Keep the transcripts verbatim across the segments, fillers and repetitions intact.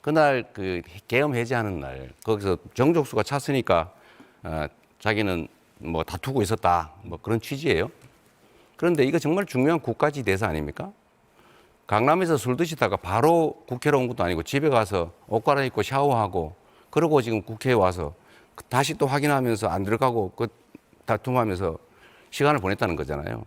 그날 그 계엄 해제하는 날 거기서 정족수가 찼으니까 어, 자기는 뭐 다투고 있었다 뭐 그런 취지예요. 그런데 이거 정말 중요한 국가지 대사 아닙니까? 강남에서 술 드시다가 바로 국회로 온 것도 아니고 집에 가서 옷 갈아입고 샤워하고 그러고 지금 국회에 와서 다시 또 확인하면서 안 들어가고 그 다툼하면서 시간을 보냈다는 거잖아요.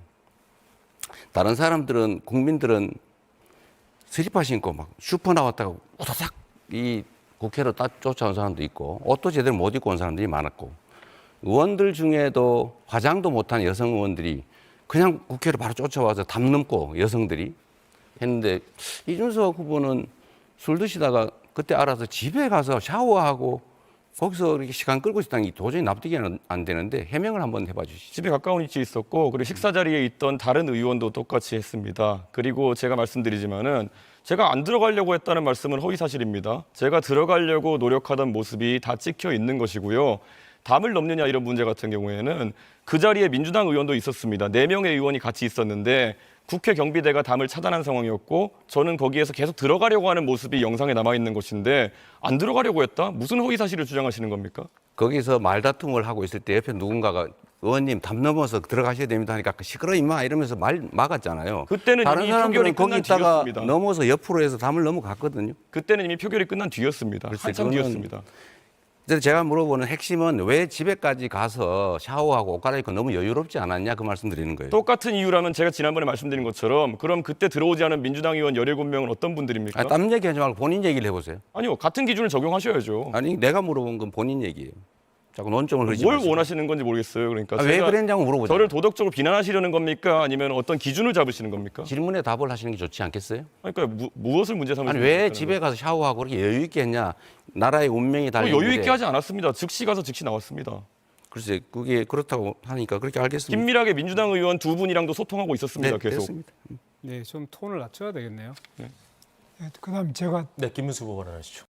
다른 사람들은 국민들은 슬리퍼 신고 막 슈퍼 나왔다가 우다닥 이 국회로 딱 쫓아온 사람도 있고 옷도 제대로 못 입고 온 사람들이 많았고 의원들 중에도 화장도 못한 여성 의원들이 그냥 국회로 바로 쫓아와서 담 넘고 여성들이 했는데 이준석 후보는 술 드시다가 그때 알아서 집에 가서 샤워하고 거기서 이렇게 시간 끌고 있었다는 게 도저히 납득이 안 되는데 해명을 한번 해봐 주시죠. 집에 가까운 위치에 있었고 그리고 식사 자리에 있던 다른 의원도 똑같이 했습니다. 그리고 제가 말씀드리지만은 제가 안 들어가려고 했다는 말씀은 허위 사실입니다. 제가 들어가려고 노력하던 모습이 다 찍혀 있는 것이고요. 담을 넘느냐 이런 문제 같은 경우에는 그 자리에 민주당 의원도 있었습니다. 네 명의 의원이 같이 있었는데 국회 경비대가 담을 차단한 상황이었고 저는 거기에서 계속 들어가려고 하는 모습이 영상에 남아 있는 것인데 안 들어가려고 했다? 무슨 허위 사실을 주장하시는 겁니까? 거기서 말다툼을 하고 있을 때 옆에 누군가가 의원님 담 넘어서 들어가셔야 됩니다 하니까 시끄러 임마 이러면서 말 막았잖아요. 그때는 다른 이미 사람들은 표결이 거기 끝난 있다가 뒤였습니다. 넘어서 옆으로 해서 담을 넘어갔거든요. 그때는 이미 표결이 끝난 뒤였습니다. 글쎄, 한참 그거는- 뒤였습니다. 그래서 제가 물어보는 핵심은 왜 집에까지 가서 샤워하고 옷 갈아입고 너무 여유롭지 않았냐 그 말씀 드리는 거예요. 똑같은 이유라면 제가 지난번에 말씀드린 것처럼 그럼 그때 들어오지 않은 민주당 의원 열일곱 명은 어떤 분들입니까? 아니, 땀 얘기하지 말고 본인 얘기를 해보세요. 아니요. 같은 기준을 적용하셔야죠. 아니 내가 물어본 건 본인 얘기예요. 자꾸 논점을 흐리지 뭘 마시고. 원하시는 건지 모르겠어요. 그러니까 아, 왜 제가 그랬냐고 물어보죠. 저를 도덕적으로 비난하시려는 겁니까? 아니면 어떤 기준을 잡으시는 겁니까? 질문에 답을 하시는 게 좋지 않겠어요? 그러니까 무, 무엇을 문제 삼으시는 아니 왜 겁니까? 집에 가서 샤워하고 그렇게 여유 있게 했냐? 나라의 운명이 달린 뭐 여유 있게 일에. 하지 않았습니다. 즉시 가서 즉시 나왔습니다. 글쎄 그게 그렇다고 하니까 그렇게 알겠습니다. 긴밀하게 민주당 의원 두 분이랑도 소통하고 있었습니다. 네, 계속. 됐습니다. 네, 좀 톤을 낮춰야 되겠네요. 네, 그다음 제가 네, 김문수 후보가 하시죠.